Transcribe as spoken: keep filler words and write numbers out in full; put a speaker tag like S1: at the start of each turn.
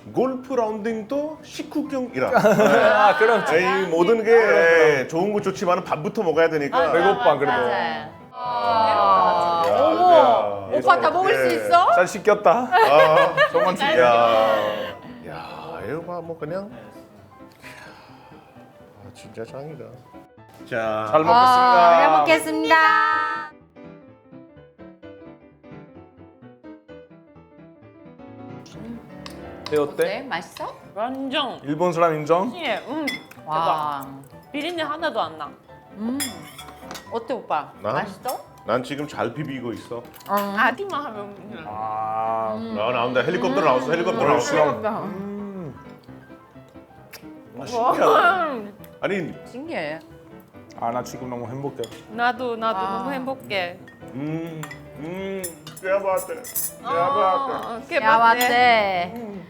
S1: 골프 라운딩도 식후경이라.
S2: 아 그렇지.
S1: 이 모든 게 좋은 거 좋지만 밥부터 먹어야 되니까.
S2: 배고파 그래도.
S3: 아,
S1: 야,
S3: 어머,
S1: 야,
S3: 오빠 다 먹을 수
S1: 예.
S3: 있어?
S2: 잘 시켰다.
S1: 아,
S2: 정말 튀겨.
S1: 야, 야, 이거 봐, 뭐 그냥. 아, 진짜 짱이다. 자,
S2: 잘 먹겠습니다.
S3: 아, 잘 먹겠습니다.
S2: 네, 어때?
S3: 네, 맛있어?
S4: 완전
S2: 일본 사람 인정?
S4: 예, 음.
S3: 와,
S4: 비린내 하나도 안 나.
S3: 음, 어때 오빠?
S1: 나?
S3: 맛있어?
S1: 난 지금 잘 비비고 있어.
S4: 아기만 하면 그냥.
S2: 아.
S1: 나 나온다. 헬리콥터 나왔어. 헬리콥터 나왔어.
S2: 음.
S1: 아, 신기하다. 아니,
S3: 신기해.
S2: 아 나 지금 너무 행복해.
S4: 나도 나도
S3: 아.
S4: 너무 행복해.
S1: 음, 음, 꽤 봤대. 꽤 봤대.
S4: 어,
S3: 야, 왔대.